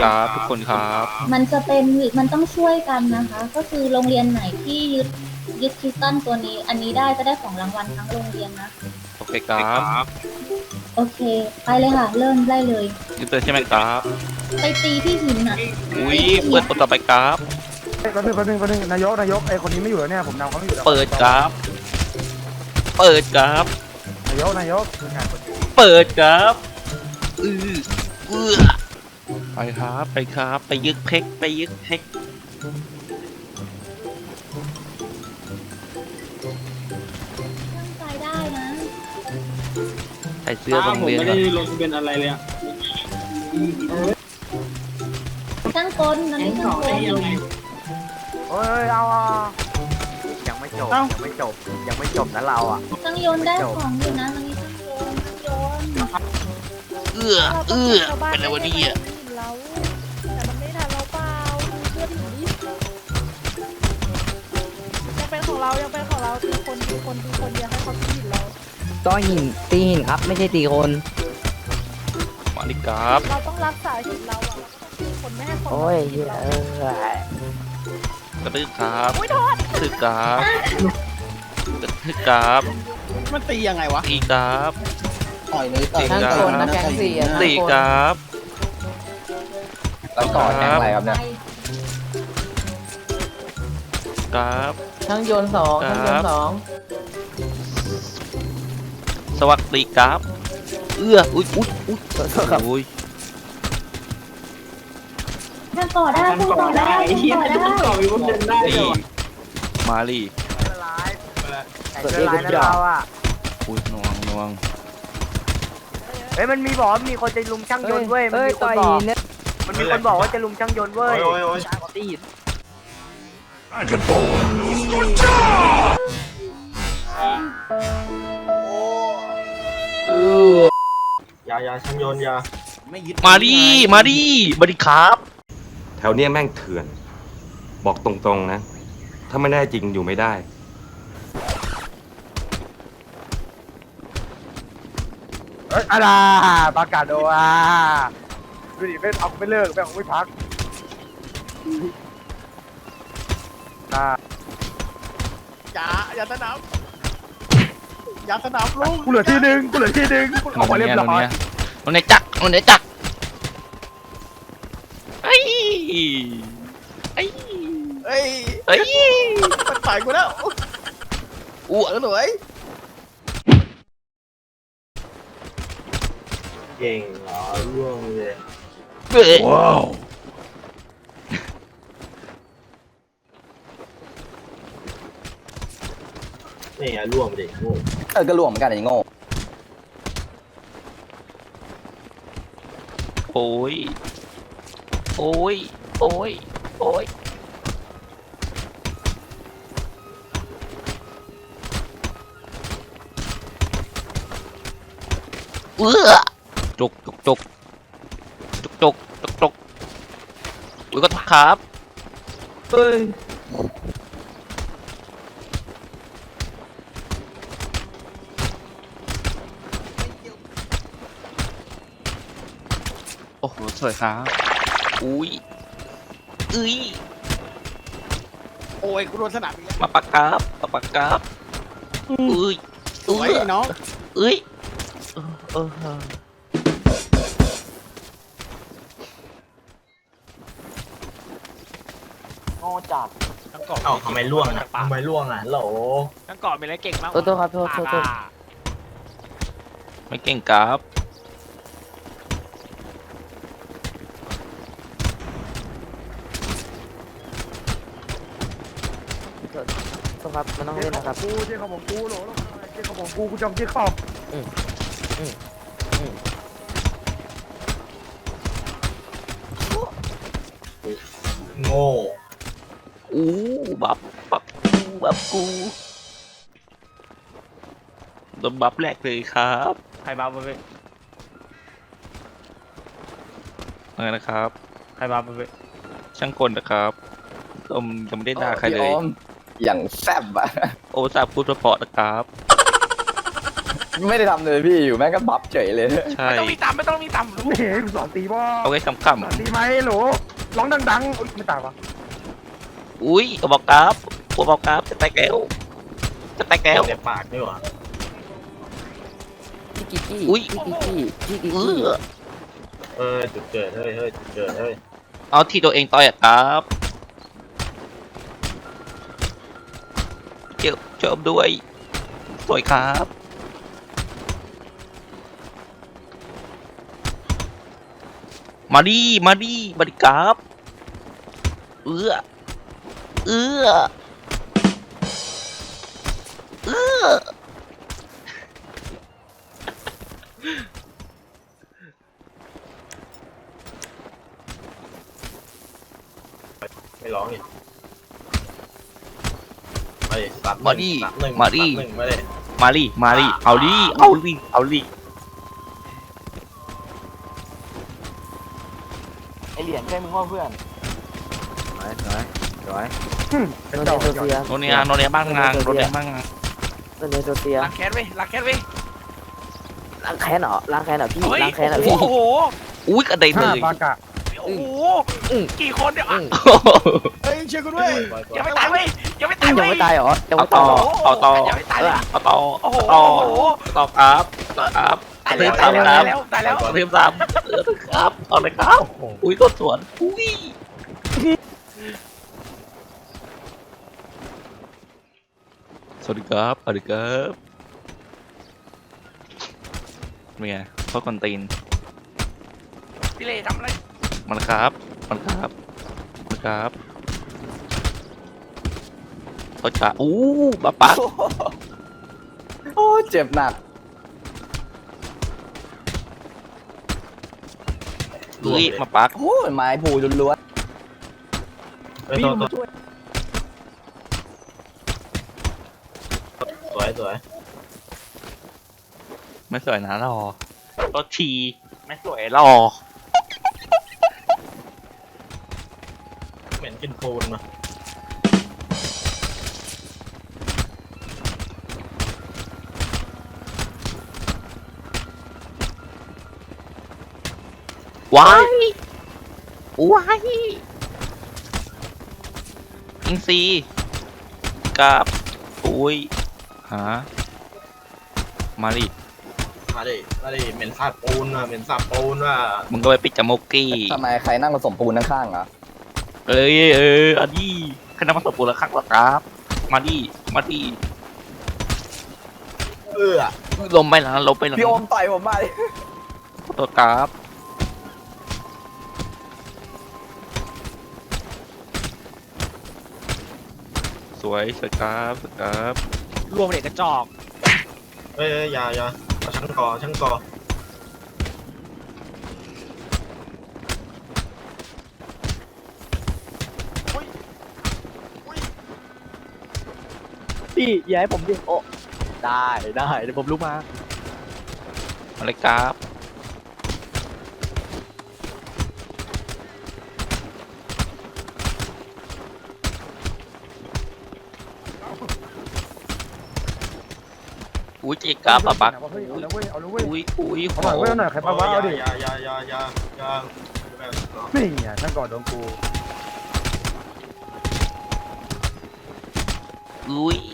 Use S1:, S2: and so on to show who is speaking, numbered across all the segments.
S1: ครับทุกคนครับ
S2: มันจะเป็นมันต้องช่วยกันนะคะ ก็คือโรงเรียนไหนที่ยึดคริสตัลตัวนี้อันนี้ได้จะได้ของรางวัลทั้งโรงเรียนนะ
S1: โอเคครับ
S2: โอเค ไปเลยค่ะ เริ่มได้เลย
S1: ยึดเลยใช่ไหมครับ
S2: ไปตีที่หินอ่ะ
S1: อุ้ยเปิดคนต่อไปครับ
S3: แป๊บนึงนายกไอคนนี้ไม่อยู่แล้วเนี่ยผมนำเขาไม่อยู่แล้ว
S1: เปิดครับ เปิดครับ
S3: นายกคืองานคนนี้
S1: เปิดครับเออไปครับไปครับ ไปยึดเพกไปยึดเพก
S2: ตั้งใจได้นะ
S1: ใส่เสื้อโรงเรียน
S4: ผมไม่ได้ลงทะเบียนอะไรเลยอะ
S2: ช่างกลตอนนี้ช่างกล
S3: เฮ้ยเอายังไม่จบนะเราอ่ะ
S2: ช่างโยนได้ของอยู่นะตอนนี้ช่างโยน
S1: เเป็นอะไรวะเนี่ย
S5: เราแต่มันไม่ทันเราเปล่าดูเพื่อนหนียังเป็นของเราตีคนอย่าให้เขาตีหินเรา
S6: ก็หินตีหินครับ ไม่ใช่ตีคน
S1: มาดิครับ
S5: เราต้องรักษาหินเราอะเราต้องตีคนไม่ให้คน
S6: โอ้ย
S5: มาตีเรา
S1: กระตือครับ
S5: อุ้ยโทษ
S1: กระตือครับกระตือครับ
S4: มันตียังไงวะ
S1: ตีครับ
S4: ต่อยเลยต่อย
S1: ตีครับตีครับ
S6: แล้วก่อนแข่งอะไรครับเนี่ย
S1: ครับ
S6: ทั้งโยนสองทั้งโยนสอง
S1: สวัสดีครับอุ้ยอุ้ย
S2: ช่างก่อได้ช่างก่อได้ช่างก่อได้
S4: ต่อยมันเดินได้เลย
S1: นี่
S4: ว่ะ
S1: มาลี
S3: แต่เจอร้ายนะเราอ่ะ
S1: อุ้ยนวง
S3: เฮ้ยมันมีบอกมีคนจะลุมช่างยนต์เว้ย
S6: เอ้ยต่อยหินเนี่ย
S3: มันมีคนบอกว่าจะลุมช่างยนต์เว้ย
S6: ตีหิน
S4: ยาช่างยนต์ยาไม่ยึด
S1: มาดิมาดิครับ
S7: แถวเนี้ยแม่งเถื่อน บอกตรงๆนะ ถ้าไม่ได้จริงอยู่ไม่ได้
S3: เฮ้ยอะไรปากาโดอ่ะดูดิไม่เอาไม่เลิกไม่พัก
S4: อย่าสนามลุง
S3: กูเหลือที่หนึ่งออกมาเรียบร้อย
S1: มันไหนจักไอ้ไอ้
S4: เฮ้ย
S1: ไอ้
S4: มันฝ่ายกูแล้ว
S1: อ้ว
S4: หน่วยเก่งเหรอร่วงเลย
S1: ว้าว
S4: นี่ไงร่วงไปดิโง่
S6: ก็รวมเหมือนกันไอ้โง่
S1: โอ้ยโอ้ยจุกอุ้ยก็ครับ
S6: เฮ้ย
S1: โอ้โหสวยครับอุ้ยเอ้ย
S4: โอ้ยกูโดนสนามอีกแล้ว
S1: มาปากครับอุ้ย
S4: สวยน้อง
S1: เอ้ยเออ
S6: โง่จัด
S4: เอ้าทำไมร่วงอ่ะโหล
S8: ทั้งเกาะมีอะไรเก่งมาก
S6: โทษครับโทษ
S1: ไม่เก่งครับ
S6: ครับมันต้องเล่นนะครับ
S3: กูเจ๊ของผมกูโหลเจ๊ของผมกูจำเจ๊ขอบ
S4: โง่
S1: อู้บับกูโดนบับแรกเลยครับ
S8: ใครบ้าไป
S1: อะไรนะครับ
S8: ใครบ้าไป
S1: ช่างกลนะครับยังไม่ได้ด่าใครเลย
S6: อย่างแซ่บอะ
S1: โอ้สาบพูดเพราะๆนะครับ
S6: ไม่ได้ทำเลยพี่อยู่แม่งก็บัฟเฉยเลย
S1: ใช่
S4: ไม่ต้องมีตามไม่ต้องมีตาม
S3: ไม่เห็นกูสอนตีบ่
S1: เอาไว้ขำ
S3: สอนตีไหมโหลร้องดังๆอุ๊ยไม่ตายวะ
S1: ๆอุ้ยกระบอกกราฟกระบอกกราฟจะแตกแล้วจะแตกแล้ว
S9: เจ็บปากด้วยวะ
S6: พี่กิกกี้
S1: อุ๊ย
S6: พี่กิกกี้พี่กิก
S1: เอ
S6: กี้
S1: อ
S9: จุดเกิดเฮ้ยจุดเกิดเฮ้ย
S1: เอาที่ตัวเองต่อยอะครับเจิมด้วยสวยครับมาดิครับเอื้อเอื้อ
S9: ไม่ร้องอีกไปสัตว์
S1: มาดิ
S9: สัตว์หนึ่ง
S1: มาดิ
S9: สัตว์หนึ่งมาดิ
S1: มาดิเอาดิ
S6: ไอเหรียญใช่มึงว่าเพื่อน
S3: สวย
S6: โนเนโซเซีย
S1: โนเนียบ้างงานโนเนียบ้างงาน
S6: โนเนโซเซีย
S4: ล้างแค้นเว้ยล้างแค้นเว้ย
S6: ล้างแค้นเหรอล้างแค้นเหรอพี่
S4: เฮ้ย
S6: ล้างแค้นเหรอ
S4: โอ้
S6: พี่
S4: โห
S1: อุ้ยกระเด็น
S3: ห้า
S1: เลย
S3: ปากะ
S4: โอ้โหกี่คนเนี่ยอ่ะเฮ้ยช่วยกูด้วย
S9: ปล่อย
S4: ยังไม่ตายเว้ยยังไม่ตาย
S6: ยัง
S4: เว้ย
S6: ไม่ตายเหรอยัง
S1: เอา
S6: ไม่
S1: ต่
S6: ตา
S1: อย
S6: เหรอ
S1: เอาต่อ
S4: ยังไม่ตายเลย
S1: เอาต่อ
S4: โอ้โห
S1: ต่อ
S4: โอ้โห
S1: ต่อครับ
S4: ตาย
S1: เริ่
S4: แล้ว
S1: ม
S4: ตาย
S1: ตาม
S4: แล้ว
S1: ครับ
S4: ตายแล้ว
S1: เริ่มตามครับเอาเลยครับ อุ้ยต้นสวนอุ้ยสวัสดีครับเป็นไงโคตรคนตีน
S4: พี่เล่ทำอะไร
S1: มันครับเขาจะอู้บ้าปะ
S6: โอ้เจ็บหนัก
S1: เฮ้ยมาปัก
S6: โอ้ยไม้ผูล้วน
S9: เฮ้ยตัวสวย
S1: ไม่สวยนะรอตัวทีไม่สวยรอ
S9: เหม็นกินปูนมา
S1: ว้ายอิงซีกับอุ้ยหามาดิ
S9: มาดิเหม็นสาบปูนว่ะเหม็นสาบปูนว่ะ
S1: มึงก็ไปปิดจมูกกี้
S6: ๆทำไมใครนั่งผสมปูนข้างๆอ่ะ
S1: เอ้ยอันนี้คณะมาสอบปูนละครั้งละครับมาดิ ลมไปหลังลมไปหลัง
S6: พี่โอมต่อยผมมาดิ
S1: ตัวกราฟสวยครับ
S8: รวมเด็กกระจอก
S9: เฮ้ยอย่าเอาช่างกอ
S6: พี่อย่าให้ผมดิโอ้ได้เดี๋ยวผมลุกมา
S1: อะไรครับ อุ้ยเจ๊กราฟอะปัก
S3: เฮ้ยเอาแล้วเว้ยเอาแล้วเว้ย
S1: อุ้ย
S3: เอาหน่อยเว้ยเอาหน่อยใครปะวะเอาดิ
S9: อย่า
S3: นี่ไงช่างก่อนโดนกู
S1: อุ้ย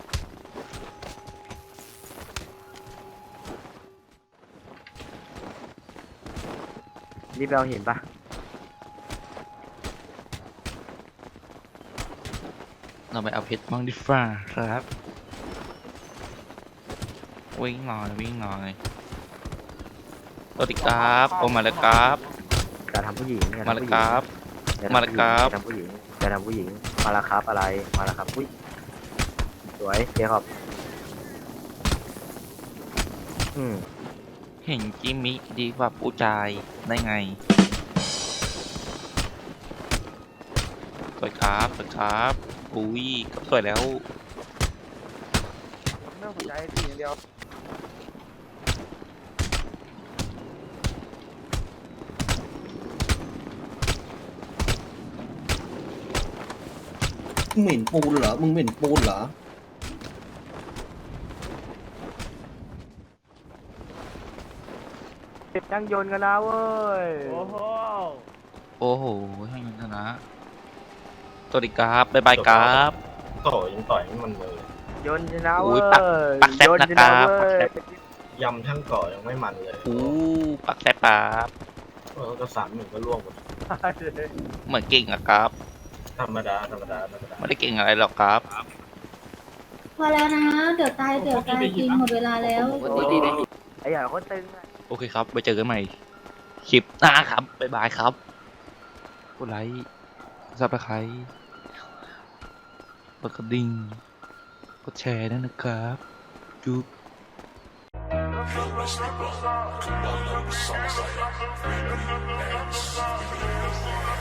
S6: รีบเอาเห็นปะ
S1: เราไปเอาเพชรบ้างดิฟ้าครับ วิ่งหน่อยสวัสดีครับโอมาแล้วครับ
S6: จะทำผู้หญิง
S1: มาแล้วครับ มาแล้วครับ
S6: จะทำผู้หญิงมาแล้วครับอะไรมาแล้วครับอุ้ยสวยเจ๊ครับ
S1: เห็นจิมมิดีกว่าผู้ชายได้ไงสวยครับอุ้ยก็สวยแล้ว
S3: ไม่ต้องสนใจตีอย่างเดียว
S10: เหม็นปูนเหรอ มึงเหม็นปูนเหรอ
S6: ช่างยนต์กันนะเว้ย
S8: โอ้โห
S1: โอ้โหให้มันชนะสวัสดีครับบ๊ายบายครับ
S9: โต่ยังต่อยไม่มันเลย
S6: ยนต์ชนะ
S1: อุ้
S6: เว้
S1: ย
S6: ย
S1: ปักแซ่บ
S6: ยนต์
S1: นะ
S6: ช
S1: ค
S6: นะ
S1: รับ
S6: เว้
S1: ปัก
S6: ย
S1: แซ่บ
S9: ยำทั้งเกาะยังไม่มันเลย
S1: อู้ปักแซ่บครับ
S9: ก็3-1ก็ล่วงหมด
S1: เหมือนเก่งอะครับ
S9: ธรรมดา
S1: ไม่ได้เก่งอะไรหรอกครับ
S2: พอแล้วนะ เดี๋ยวตายจริงหมดเวลาแล้ว
S6: ไอ้ใหญ่คนตึงอะ
S1: โอเคครับไปเจอกันใหม่คลิปหน้าครับบ๊ายบายครับกดไลค์ซับสไครต์กดกระดิ่งกดแชร์ด้วยนะครับจุ๊บ
S10: Come on,